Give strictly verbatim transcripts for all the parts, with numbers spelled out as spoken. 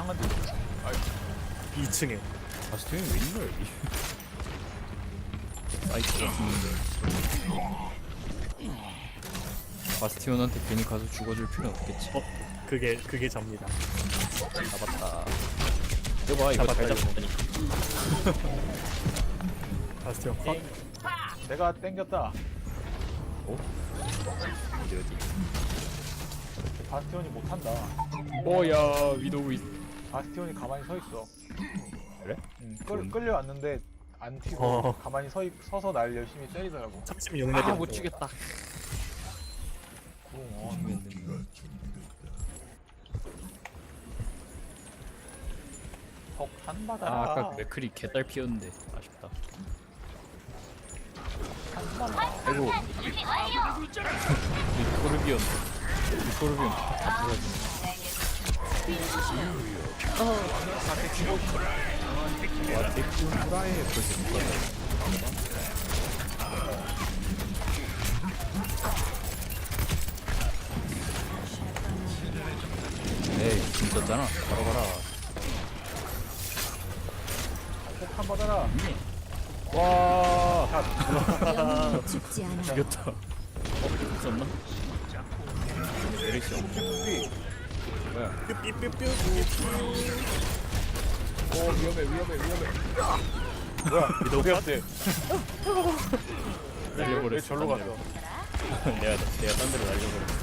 상한도 있어. 이 층에. 바스티온이 왜 있노 여기? 사이트가 죽는데 바스티온한테 괜히 가서 죽어줄 필요는 없겠지. 어? 그게 그게 접니다. 잡았다. 이거 봐 이거 잘 잡았다, 잡았다니까. 바스티온 컷. 내가 땡겼다. 어? 어디 어디? 바스티온이 못한다. 오야 위도우 있... 바스티온이 가만히 서 있어. 그래? 응, 끌, 좋은데? 끌려왔는데 안 튀고 어. 가만히 서, 있- 서서 날 열심히 때리더라고. 삼십육 레벨. 아 못 죽겠다. 어, 죽겠네. 폭탄 아 받아라. 아까 그 맥클이 개딸 피었는데 아쉽다. 폭탄 받아라. 아이고 리코르비온 리코르비온 다 부러지네. 와 데크라에 벌써 묶었네. 에이 진짜잖아. 바로 가라. 폭탄 받아라. 와 영웅은 죽지 않아. 죽였다. 어? 있었나? 에릭션 뭐야? 삐삐삐삐. 오 위험해 위험해 위험해. 뭐야? 위도우 컷. 돼? 날려버렸어. 왜 절로 딴 갔어? 데로. 내가 내가 딴 데로 날려버렸어.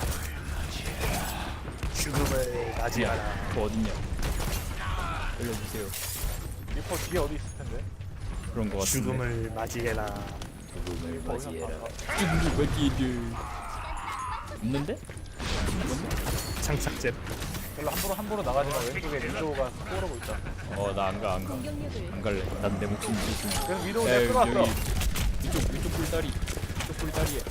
죽음을 맞이하라. 그 어딨냐? 알려주세요. 리퍼 뒤에 어디 있을 텐데? 그런 거 같은데. 죽음을 맞이해라. 죽음을 거기서 맞이해라. 봤어. 죽음을 맞이해라. 없는데? 장착제. 별로 함부로 함부로 나가지 마. 왼쪽에 위도우가 꼬르고 있다. 어 나 안 가 안 가. 공격력을 안 갈래. 난 내 목숨 지금. 그래서 위도우 야, 내가 끌어왔어. 여기 위쪽 위쪽 꿀다리. 위쪽 꿀다리에.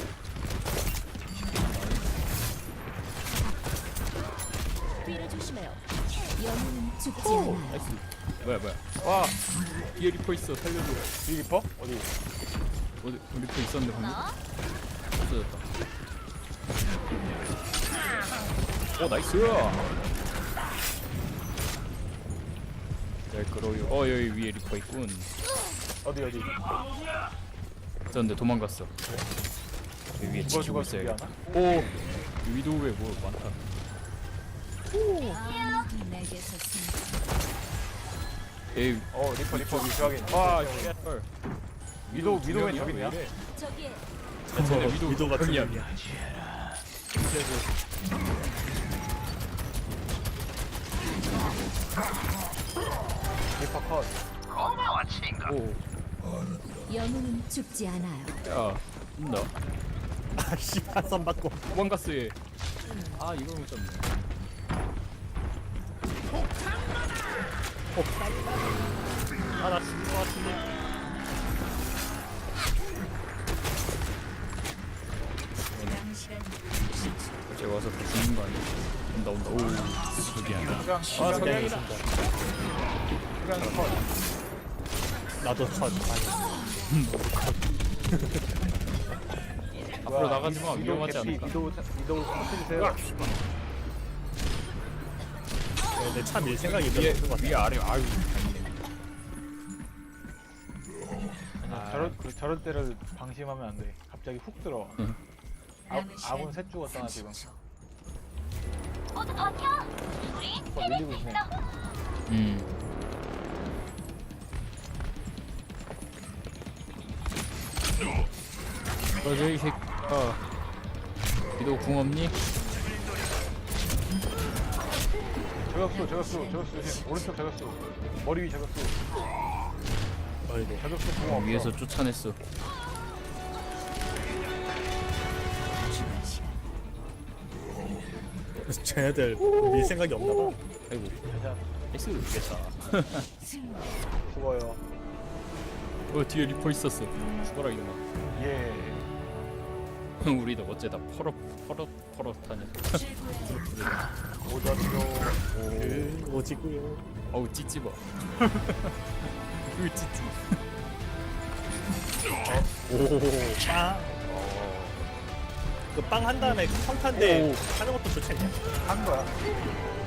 뒤를 조심해요. 영웅은 죽지 오 않아. 나이스. 뭐야 뭐야. 와, 뒤에 리퍼 있어. 살려줘. 이 리퍼? 어디? 어디 리퍼 있었는데 방금? 없어졌다. 오 나이스. 잘 끌어요. 어 여기 위에 리퍼 있군. 어디 어디? 있었는데 도망갔어. 여기 위에 죽어 지키고 죽어 죽이 있어야겠다. 하나? 오 위도우에 뭐 많다. 내게서 숨. 에이 어 리퍼 리퍼 위쪽에 있네. 아 어, 쉣. 위도우 위도우에 두 저기 명이야? 있냐? 왜 이래? 저기에 쟤네 어, 위도우 위도우 같은 형이야. 놈이야. 리퍼 컷. 오, 영웅은 죽지 않아요. 야, 나 아씨 한선 받고. 도망갔어 얘. 아 이걸 못 잡네. 아나 죽을 것 같은데. 쟤 와서 다 죽는 거 아니야? 온다 온다. 오, 저기야. 그냥 아 석양이다. 그냥 컷. 나도 컷. 아니. 앞으로 나가지 마. 위도우 위험하지 개피, 않을까? 위도우 위도우 터트리세요. 내차 밀 생각이 위에 들었던 것 같아. 위에 아래 아유. 아니야, 저럴 그, 저럴 때를 방심하면 안 돼. 갑자기 훅 들어와. 응. 아, 아군 셋 죽었잖아 지금. 모두 버텨! 우리 어, 밀리고 있네. 음. 어저 이 새끼. 아. 위도우 궁 없니? 저격수 저격수 저격수 조심. 오른쪽 저격수. 머리 위 저격수. 어이구. 저격수 공 없어. 위에서 쫓아냈어. 쟤네들 밀 생각이 없나 봐. 아이고. 자, X를 이겼다. 죽어요. 어 뒤에 리퍼 있었어. 죽어라 이놈아. 예. 우리도 어째다 퍼럭 퍼럭 퍼럭하냐. 오전요. 그 오지구요. 어우 찌찌봐. 그 찌찌. 오. 빵. 그 빵 한 다음에 평탄대 오. 하는 것도 좋지 않냐? 한 거야.